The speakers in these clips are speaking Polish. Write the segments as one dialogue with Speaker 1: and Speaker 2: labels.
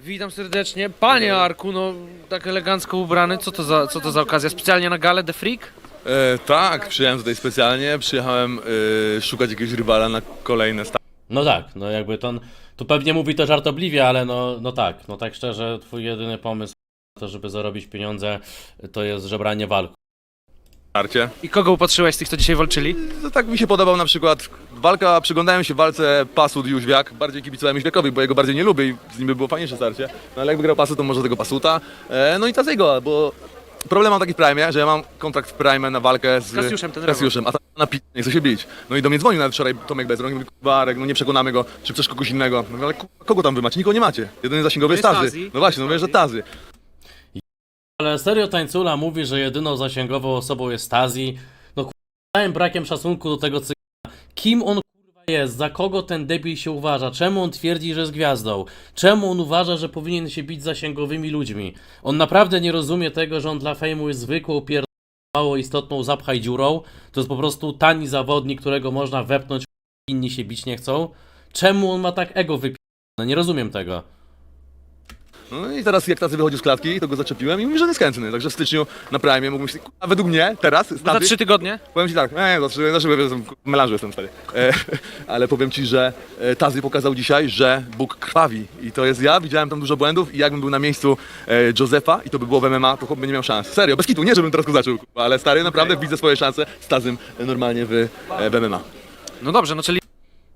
Speaker 1: Witam serdecznie. Panie Arku, no tak elegancko ubrany. Co to za okazja? Specjalnie na galę The Freak?
Speaker 2: Tak, przyjechałem tutaj specjalnie, przyjechałem szukać jakiegoś rywala na kolejne
Speaker 3: No tak, no jakby to pewnie mówi to żartobliwie, ale no tak szczerze, twój jedyny pomysł na to, żeby zarobić pieniądze, to jest żebranie walk.
Speaker 2: starcie.
Speaker 1: I kogo upatrzyłeś z tych, co dzisiaj walczyli?
Speaker 2: To tak mi się podobał na przykład walka, przyglądałem się walce Pasut i Jóźwiak, bardziej kibicowałem Jóźwiakowi, bo jego bardziej nie lubię i z nim by było fajniejsze starcie. No ale jak wygrał Pasut, to może tego Pasuta. No i Tazego, bo problem mam taki w Prime, że ja mam kontrakt w Prime na walkę z Kasiuszem, a tam na nie chce się bić. No i do mnie dzwonił nawet wczoraj Tomek Bezrąk i mówi, kurwa, Arek, no nie przekonamy go, czy chcesz kogoś innego. No ale kogo tam wy macie? Nikogo nie macie. Jedyny zasięgowy jest Tazy. No właśnie, no wiesz, że Tazy.
Speaker 3: Ale serio Tańcula mówi, że jedyną zasięgową osobą jest Tazi. No całym brakiem szacunku do tego cygana. Kim on kurwa jest? Za kogo ten debil się uważa? Czemu on twierdzi, że jest gwiazdą? Czemu on uważa, że powinien się bić z zasięgowymi ludźmi? On naprawdę nie rozumie tego, że on dla fejmu jest zwykłą mało istotną zapchaj dziurą. To jest po prostu tani zawodnik, którego można wepnąć, inni się bić nie chcą. Czemu on ma tak ego wypierdolone? Nie rozumiem tego.
Speaker 2: No i teraz jak Tazy wychodził z klatki, to go zaczepiłem i mówi, że nie jest chętny. Także w styczniu na Prime mógłbym się, a według mnie teraz,
Speaker 1: Za 3 tygodnie?
Speaker 2: powiem ci tak, melanżu jestem stary. Ale powiem ci, że Tazy pokazał dzisiaj, że Bóg krwawi. I to jest ja, widziałem tam dużo błędów i jakbym był na miejscu Josefa i to by było w MMA, to chłop by nie miał szans. Serio, bez kitu, nie żebym teraz go zaczął, ale stary, naprawdę widzę swoje szanse z Tazym normalnie w MMA.
Speaker 1: No dobrze, no czyli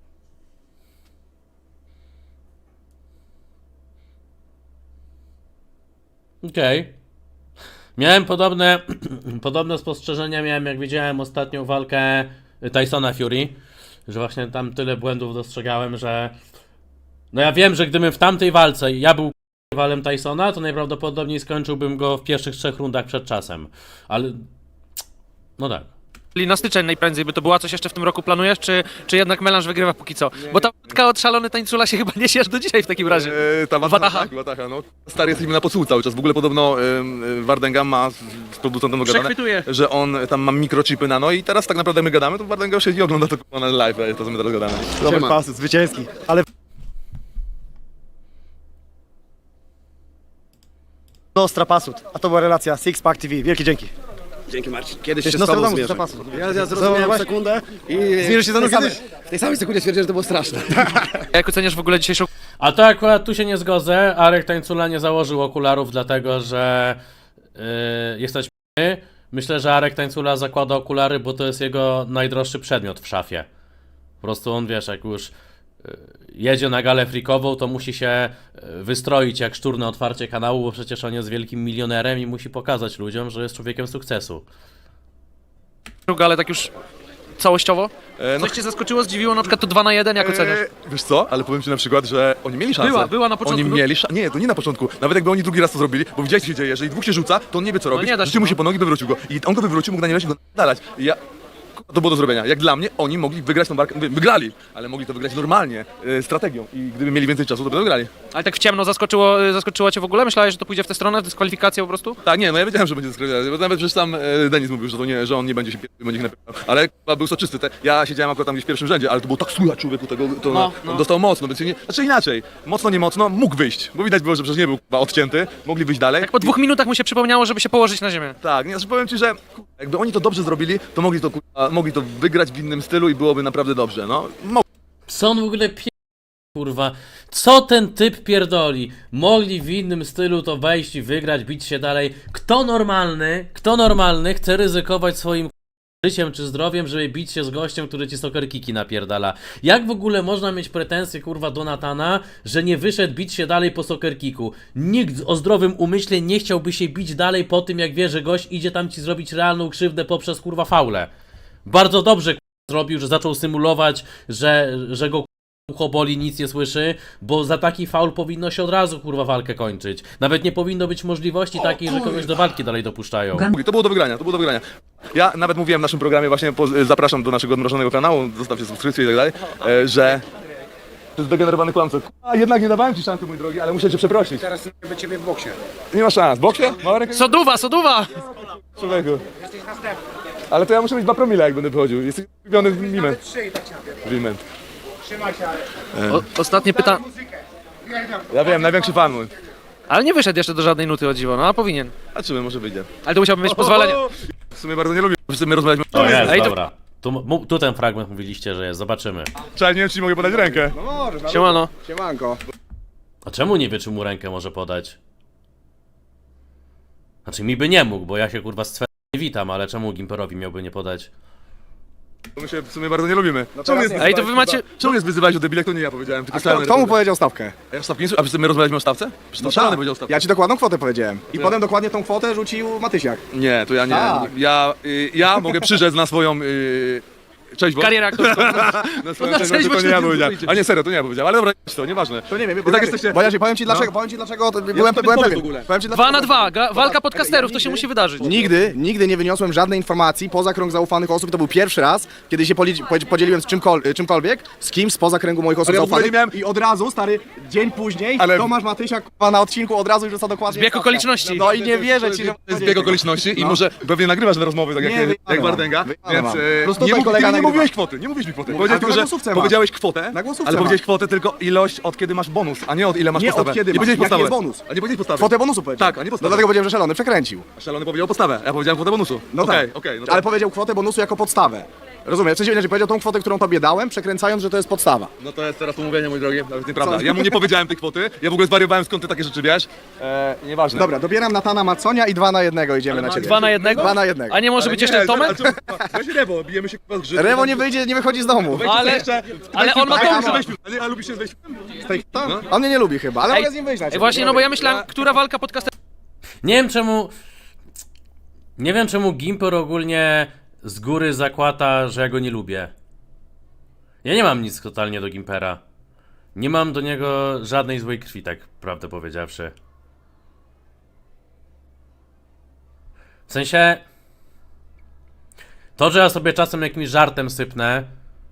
Speaker 3: Okej. Miałem podobne spostrzeżenia miałem, jak widziałem ostatnią walkę Tysona Fury, że właśnie tam tyle błędów dostrzegałem, że no ja wiem, że gdybym w tamtej walce ja był rywalem Tysona, to najprawdopodobniej skończyłbym go w pierwszych 3 rundach przed czasem, ale no tak.
Speaker 1: na styczeń najprędzej by to była. Coś jeszcze w tym roku planujesz, czy jednak melanż wygrywa póki co? Bo ta wódka od szalony Tańcula się chyba niesie aż do dzisiaj w takim razie.
Speaker 2: Ta
Speaker 1: Wataha.
Speaker 2: tak, Wataha, no. Stary, jesteśmy na podsłuchu cały czas. W ogóle podobno Wardenga ma z producentem dogadane,
Speaker 1: Przechwytuje.
Speaker 2: że on tam ma mikrochipy nano i teraz tak naprawdę my gadamy, to Wardenga siedzi i ogląda to na live, to co my teraz gadamy.
Speaker 4: Robert Pasut, zwycięski, ale Nostra Pasut, a to była relacja Six Pack TV. Wielkie dzięki.
Speaker 5: Dzięki Marcin. Kiedyś
Speaker 4: Cześć,
Speaker 5: się z tobą
Speaker 4: Nostradamus,
Speaker 5: zmierzę.
Speaker 4: Nostra Pasut.
Speaker 5: Ja zrozumiałem
Speaker 4: Zobacz.
Speaker 5: sekundę i
Speaker 4: Zmierzysz się ze mną
Speaker 5: kiedyś,
Speaker 4: sam.
Speaker 5: w tej samej sekundzie stwierdziłem, że to było straszne.
Speaker 1: Jak oceniasz w ogóle dzisiejszą
Speaker 3: A to akurat tu się nie zgodzę. Arek Tańcula nie założył okularów, dlatego że jesteś p***y. Myślę, że Arek Tańcula zakłada okulary, bo to jest jego najdroższy przedmiot w szafie. Po prostu on, wiesz, jak już jedzie na galę frikową, to musi się wystroić jak szczur na otwarcie kanału, bo przecież on jest wielkim milionerem i musi pokazać ludziom, że jest człowiekiem sukcesu.
Speaker 1: galę tak już całościowo?
Speaker 2: No,
Speaker 1: Coś cię zaskoczyło, zdziwiło? Na przykład to 2 na 1, jak oceniasz?
Speaker 2: wiesz co, ale powiem ci na przykład, że oni mieli szansę.
Speaker 1: Była na początku.
Speaker 2: Oni mieli szansę. Nie, to nie na początku. Nawet jakby oni drugi raz to zrobili, bo widziałeś co się dzieje, jeżeli dwóch się rzuca, to on nie wie co robić.
Speaker 1: nie da się,
Speaker 2: Rzucił mu
Speaker 1: no.
Speaker 2: się po nogi, wywrócił go. I on go wywrócił, mógł na niego dalać. I ja... To było do zrobienia. Jak dla mnie, oni mogli wygrać tą walkę, wygrali, ale mogli to wygrać normalnie, strategią. I gdyby mieli więcej czasu, to by wygrali.
Speaker 1: Ale tak w ciemno zaskoczyło cię w ogóle? Myślałeś, że to pójdzie w tę stronę, w dyskwalifikację po prostu?
Speaker 2: Tak, nie, no ja wiedziałem, że będzie dyskwalifikacja, bo nawet przecież sam Denis mówił, że to nie, że on nie będzie się będzie ich napierdalał. Ale chyba był soczysty. Ja siedziałem akurat tam gdzieś w pierwszym rzędzie, ale to było tak słychać człowieku tego, to on dostał mocno, więc nie, znaczy inaczej, mocno, nie mocno, mógł wyjść, bo widać było, że przecież nie był chyba odcięty, mogli wyjść dalej.
Speaker 1: Jak po 2 minutach mu się przypomniało, żeby się położyć na ziemię.
Speaker 2: Tak, nie, znaczy powiem ci, że jakby oni to dobrze zrobili, to mogli to wygrać w innym stylu i byłoby naprawdę dobrze, no.
Speaker 3: Co on w ogóle kurwa? Co ten typ pierdoli? Mogli w innym stylu to wejść i wygrać, bić się dalej. Kto normalny chce ryzykować swoim życiem czy zdrowiem, żeby bić się z gościem, który ci soccer kiki napierdala? Jak w ogóle można mieć pretensje, kurwa, do Natana, że nie wyszedł bić się dalej po soccer kiku? Nikt o zdrowym umyśle nie chciałby się bić dalej po tym, jak wie, że gość idzie tam ci zrobić realną krzywdę poprzez, kurwa, faulę. Bardzo dobrze, kurwa, zrobił, że zaczął symulować, że go ucho boli, nic nie słyszy, bo za taki faul powinno się od razu, kurwa, walkę kończyć. Nawet nie powinno być możliwości takiej, że kogoś do walki dalej dopuszczają.
Speaker 2: To było do wygrania, to było do wygrania. Ja nawet mówiłem w naszym programie, właśnie zapraszam do naszego odmrożonego kanału, zostawcie subskrypcję i tak dalej, że to jest degenerowany kłamca. A jednak nie dawałem ci szansy, mój drogi, ale muszę cię przeprosić.
Speaker 5: Teraz do ciebie w boksie.
Speaker 2: Nie ma szans. W boksie? Mała ręka?
Speaker 1: Soduwa!
Speaker 2: Człowieku. Ale to ja muszę mieć 2 promile, jak będę wychodził. Jesteś ulubiony w Miment.
Speaker 5: Trzy i tak cię napierdolę.
Speaker 2: Miment.
Speaker 5: Trzymaj się, ale...
Speaker 1: Ostatnie pytanie.
Speaker 2: Ja wiem, największy fan mój.
Speaker 1: Ale nie wyszedł jeszcze do żadnej nuty, o dziwo, no a powinien.
Speaker 2: A czy my może wyjdzie?
Speaker 1: Ale to musiałby mieć pozwolenie.
Speaker 2: W sumie bardzo nie lubię, w sumie rozmawiać.
Speaker 3: O, jest,
Speaker 1: Ej, to-
Speaker 3: dobra. Tu ten fragment mówiliście, że jest, zobaczymy.
Speaker 2: Trzeba, nie wiem, czy ci mogę podać rękę.
Speaker 5: No możesz, nawet.
Speaker 1: Siemano.
Speaker 5: Siemanko.
Speaker 3: A czemu nie wie, czy mu rękę może podać? Znaczy mi by nie mógł, bo ja się kurwa z nie witam, ale czemu Gimperowi miałby nie podać?
Speaker 2: My się w sumie bardzo nie lubimy.
Speaker 5: No
Speaker 2: Czemu
Speaker 5: teraz
Speaker 2: mnie
Speaker 5: nie.
Speaker 1: Ej, to wy macie...
Speaker 2: Czemu mnie wyzywałeś o debile, to nie ja powiedziałem, tylko
Speaker 5: A
Speaker 2: szalony.
Speaker 5: kto mu powiedział stawkę?
Speaker 2: A ja w stawce nie A my rozmawialiśmy o stawce? Przecież to szalony powiedział o stawce.
Speaker 5: Ja ci dokładną kwotę powiedziałem. I potem dokładnie tą kwotę rzucił Matysiak.
Speaker 2: Nie, to ja nie.
Speaker 5: Tak.
Speaker 2: Ja mogę przyrzec na swoją... Cześć, bo...
Speaker 1: Karierę aktorską.
Speaker 2: Na swoją
Speaker 1: Na
Speaker 2: cześć,
Speaker 1: cześć,
Speaker 2: bo to
Speaker 1: bo
Speaker 2: nie ja
Speaker 1: się
Speaker 2: powiedziałem.
Speaker 1: nie
Speaker 2: A nie, serio, to nie ja powiedziałem, ale dobra, to nieważne.
Speaker 5: To nie wiem,
Speaker 2: I tak jesteście...
Speaker 5: Bo ja ci powiem ci dlaczego, to byłem
Speaker 2: sobie
Speaker 5: pewien.
Speaker 2: powiem w ogóle.
Speaker 5: Powiem ci
Speaker 1: 2 na
Speaker 5: dlaczego.
Speaker 1: 2, walka podcasterów, to się
Speaker 5: nigdy-
Speaker 1: musi wydarzyć.
Speaker 5: Nigdy nie wyniosłem żadnej informacji poza krąg zaufanych osób. To był pierwszy raz, kiedy się podzieliłem z czymkolwiek, z kimś spoza kręgu moich osób
Speaker 2: Ale ja w ogóle
Speaker 5: zaufanych.
Speaker 2: nie miałem-
Speaker 5: I od razu, stary, dzień później,
Speaker 2: Ale-
Speaker 5: Tomasz Matysiak kurwa, na odcinku od razu już rzuca dokładnie.
Speaker 1: Zbieg
Speaker 5: stawkę.
Speaker 1: okoliczności.
Speaker 5: No i nie wierzę ci, że...
Speaker 2: To jest zbieg okoliczności i może pewnie nagrywasz te rozmowy tak
Speaker 5: Nie,
Speaker 2: jak
Speaker 5: wyjebane
Speaker 2: Wardęga,
Speaker 5: mam.
Speaker 2: więc
Speaker 5: Plus
Speaker 2: nie,
Speaker 5: tutaj kolega
Speaker 2: nie
Speaker 5: nagrywa.
Speaker 2: mówiłeś kwoty, nie mówiłeś mi kwoty.
Speaker 5: Ale
Speaker 2: Powiedziałeś
Speaker 5: to
Speaker 2: tylko,
Speaker 5: na
Speaker 2: że
Speaker 5: głosówce masz.
Speaker 2: powiedziałeś kwotę,
Speaker 5: Na głosówce
Speaker 2: ale
Speaker 5: masz.
Speaker 2: powiedziałeś kwotę tylko ilość od kiedy masz bonus, a nie od ile masz
Speaker 5: Nie od
Speaker 2: podstawę.
Speaker 5: kiedy
Speaker 2: Nie
Speaker 5: masz.
Speaker 2: powiedziałeś
Speaker 5: Jaki
Speaker 2: podstawę.
Speaker 5: jest bonus?
Speaker 2: A nie powiedziałeś podstawę.
Speaker 5: Kwotę bonusu powiedział.
Speaker 2: Tak, a nie
Speaker 5: No
Speaker 2: podstawę.
Speaker 5: dlatego powiedziałem, że szalony przekręcił.
Speaker 2: Szalony powiedział podstawę, ja powiedziałem kwotę bonusu.
Speaker 5: No
Speaker 2: Okej,
Speaker 5: tak,
Speaker 2: okej, no to-
Speaker 5: ale powiedział kwotę bonusu jako podstawę. Rozumiem, w sensie inaczej powiedział tą kwotę, którą tobie dałem, przekręcając, że to jest podstawa.
Speaker 2: No to jest teraz umówienie, mój drogi, to jest nieprawda. Ja mu nie powiedziałem tej kwoty, ja w ogóle zwariowałem, skąd ty takie rzeczy wiesz. Nieważne.
Speaker 5: Dobra, dobieram Natana Maconia i 2 na 1 idziemy na ciebie.
Speaker 1: 2 na 1?
Speaker 5: 2 na 1.
Speaker 1: A nie może być jeszcze Tomek?
Speaker 2: Weź Rewo, bijemy się chyba z grzyb.
Speaker 5: Rewo nie wyjdzie, nie wychodzi z domu.
Speaker 1: Ale on ma
Speaker 5: to-
Speaker 1: tą...
Speaker 2: A lubisz się wejść?
Speaker 5: On mnie nie lubi chyba, ale
Speaker 1: Ej,
Speaker 5: mogę z nim wyjść na ciebie.
Speaker 1: Właśnie, no bo ja myślałem, która walka podcasterów...
Speaker 3: Nie wiem czemu... Nie wiem czemu Gimper ogólnie z góry zakłada, że ja go nie lubię. Ja nie mam nic totalnie do Gimpera. Nie mam do niego żadnej złej krwi, tak prawdę powiedziawszy. W sensie... To, że ja sobie czasem jakimś żartem sypnę,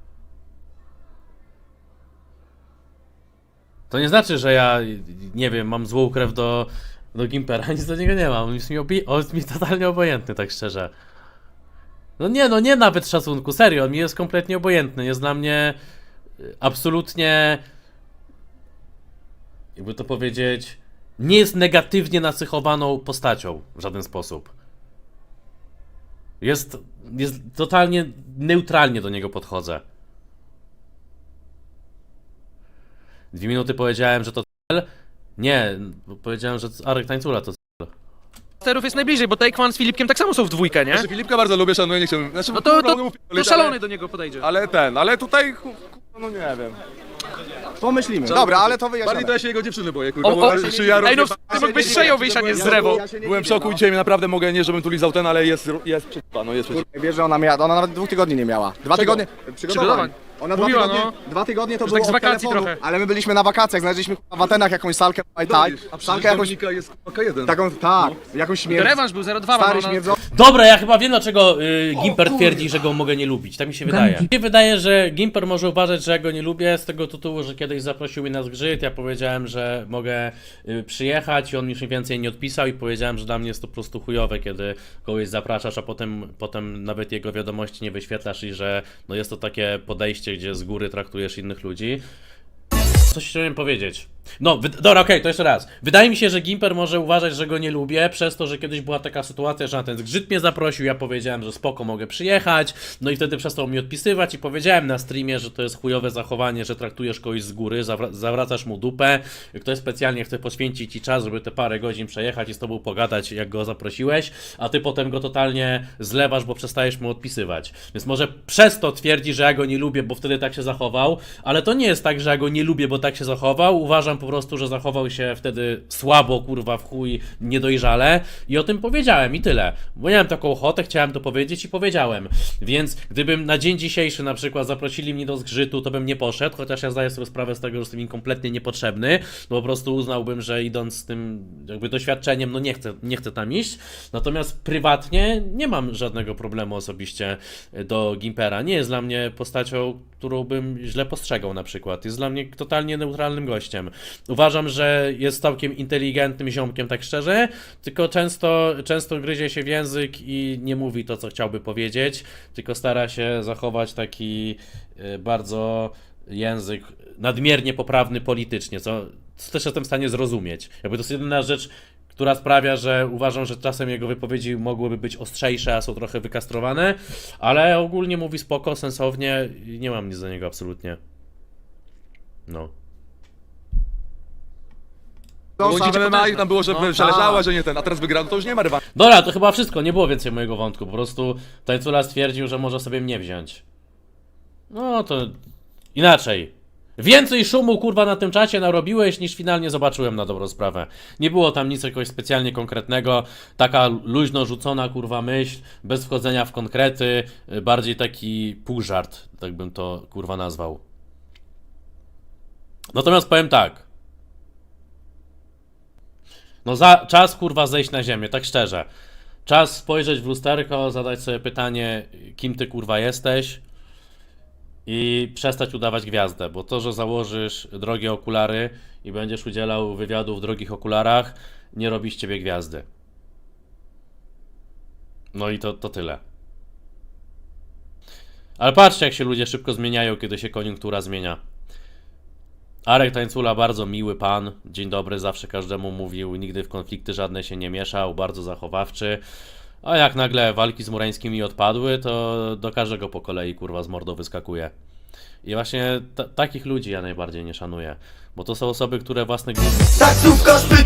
Speaker 3: to nie znaczy, że ja, nie wiem, mam złą krew do Gimpera. Nic do niego nie mam. On jest mi totalnie obojętny, tak szczerze. No nie nawet szacunku, serio, on mi jest kompletnie obojętny. Jest dla mnie absolutnie, jakby to powiedzieć, nie jest negatywnie nacechowaną postacią w żaden sposób. Jest totalnie neutralnie do niego podchodzę. 2 minuty powiedziałem, że to cel. Nie, powiedziałem, że Arek Tańcula to cel.
Speaker 1: jest najbliżej, bo Taekwondo z Filipkiem tak samo są w dwójkę, nie?
Speaker 2: Filipka bardzo lubię, szanuję, nie chciałbym. Znaczy,
Speaker 1: No to
Speaker 2: ale-
Speaker 1: szalony do niego podejdzie.
Speaker 2: Ale tutaj, no nie wiem.
Speaker 5: Pomyślimy. Dobra, ale to
Speaker 2: Bardziej
Speaker 5: wyjaśniamy.
Speaker 2: to ja się jego dziewczyny boję, kurwa.
Speaker 1: O,
Speaker 2: bo-
Speaker 1: o,
Speaker 2: czy ja
Speaker 1: ej, no
Speaker 2: rozjeba-
Speaker 1: ty mógłbyś przejął wyjść, a nie z Rewą.
Speaker 2: Byłem w szoku i dzisiaj naprawdę mogę, nie żebym tu lizał ten, ale jest przeciwpa, no jest przeciwpa.
Speaker 5: Wiesz, że ona nawet 2 tygodni nie miała. 2 tygodnie
Speaker 1: Przygotowań.
Speaker 5: Ona
Speaker 1: Mówiła,
Speaker 5: 2 tygodnie to
Speaker 1: Że
Speaker 5: było
Speaker 1: tak z
Speaker 5: od
Speaker 1: wakacji
Speaker 5: telefonu,
Speaker 1: trochę.
Speaker 5: ale my byliśmy na wakacjach, znaleźliśmy w Atenach jakąś salkę Muay Thai, salkę jakąś,
Speaker 2: Dominika jest K1.
Speaker 5: taką, tak, jakąś
Speaker 1: To
Speaker 5: śmierć,
Speaker 1: rewanż był 0-2,
Speaker 5: stary
Speaker 1: no,
Speaker 5: śmierdzący.
Speaker 3: Dobra, ja chyba wiem dlaczego Gimper twierdzi, że go mogę nie lubić. Tak mi się wydaje. Mi się wydaje, że Gimper może uważać, że ja go nie lubię z tego tytułu, że kiedyś zaprosił mnie na zgrzyt, ja powiedziałem, że mogę przyjechać i on mi już więcej nie odpisał i powiedziałem, że dla mnie jest to po prostu chujowe, kiedy kogoś zapraszasz, a potem nawet jego wiadomości nie wyświetlasz i że no jest to takie podejście, gdzie z góry traktujesz innych ludzi. Coś chciałem powiedzieć. No, dobra, okej, to jeszcze raz. Wydaje mi się, że Gimper może uważać, że go nie lubię, przez to, że kiedyś była taka sytuacja, że na ten zgrzyt mnie zaprosił, ja powiedziałem, że spoko, mogę przyjechać, no i wtedy przestał mi odpisywać i powiedziałem na streamie, że to jest chujowe zachowanie, że traktujesz kogoś z góry, zawracasz mu dupę, ktoś specjalnie chce poświęcić ci czas, żeby te parę godzin przejechać i z tobą pogadać, jak go zaprosiłeś, a ty potem go totalnie zlewasz, bo przestajesz mu odpisywać. Więc może przez to twierdzi, że ja go nie lubię, bo wtedy tak się zachował, ale to nie jest tak, że ja go nie lubię, bo tak się zachował. Uważam po prostu, że zachował się wtedy słabo, kurwa, w chuj, niedojrzale i o tym powiedziałem i tyle. Bo miałem taką ochotę, chciałem to powiedzieć i powiedziałem. Więc gdybym na dzień dzisiejszy na przykład zaprosili mnie do zgrzytu, to bym nie poszedł, chociaż ja zdaję sobie sprawę z tego, że jestem im kompletnie niepotrzebny, bo po prostu uznałbym, że idąc z tym jakby doświadczeniem, no nie chcę tam iść. Natomiast prywatnie nie mam żadnego problemu osobiście do Gimpera. Nie jest dla mnie postacią, którą bym źle postrzegał na przykład. Jest dla mnie totalnie neutralnym gościem. Uważam, że jest całkiem inteligentnym ziomkiem, tak szczerze, tylko często gryzie się w język i nie mówi to, co chciałby powiedzieć, tylko stara się zachować taki bardzo język nadmiernie poprawny politycznie, co też jestem w stanie zrozumieć. Jakby to jest jedyna rzecz, która sprawia, że uważam, że czasem jego wypowiedzi mogłyby być ostrzejsze, a są trochę wykastrowane, ale ogólnie mówi spoko, sensownie i nie mam nic do niego absolutnie. No.
Speaker 2: Bo
Speaker 5: Same
Speaker 2: w MMA i tam było, że
Speaker 3: No,
Speaker 2: przeleżała, że nie ten, a teraz wygrał, no to już nie ma rewanżu.
Speaker 3: Dobra, to chyba wszystko, nie było więcej mojego wątku, po prostu Tańcula stwierdził, że może sobie mnie wziąć. No to inaczej. Więcej szumu kurwa na tym czacie narobiłeś niż finalnie zobaczyłem na dobrą sprawę. Nie było tam nic jakoś specjalnie konkretnego, taka luźno rzucona kurwa myśl, bez wchodzenia w konkrety, bardziej taki półżart, tak bym to kurwa nazwał. Natomiast powiem tak. No czas kurwa zejść na ziemię, tak szczerze. Czas spojrzeć w lusterko, zadać sobie pytanie, kim ty kurwa jesteś i przestać udawać gwiazdę, bo to, że założysz drogie okulary i będziesz udzielał wywiadu w drogich okularach, nie robi z ciebie gwiazdy. No i to tyle. Ale patrzcie, jak się ludzie szybko zmieniają, kiedy się koniunktura zmienia. Arek Tańcula, bardzo miły pan, dzień dobry, zawsze każdemu mówił, nigdy w konflikty żadne się nie mieszał, bardzo zachowawczy. A jak nagle walki z Murańskimi odpadły, to do każdego po kolei kurwa z mordą wyskakuje. I właśnie takich ludzi ja najbardziej nie szanuję, bo to są osoby, które własnych...
Speaker 6: Taksówkarz pyta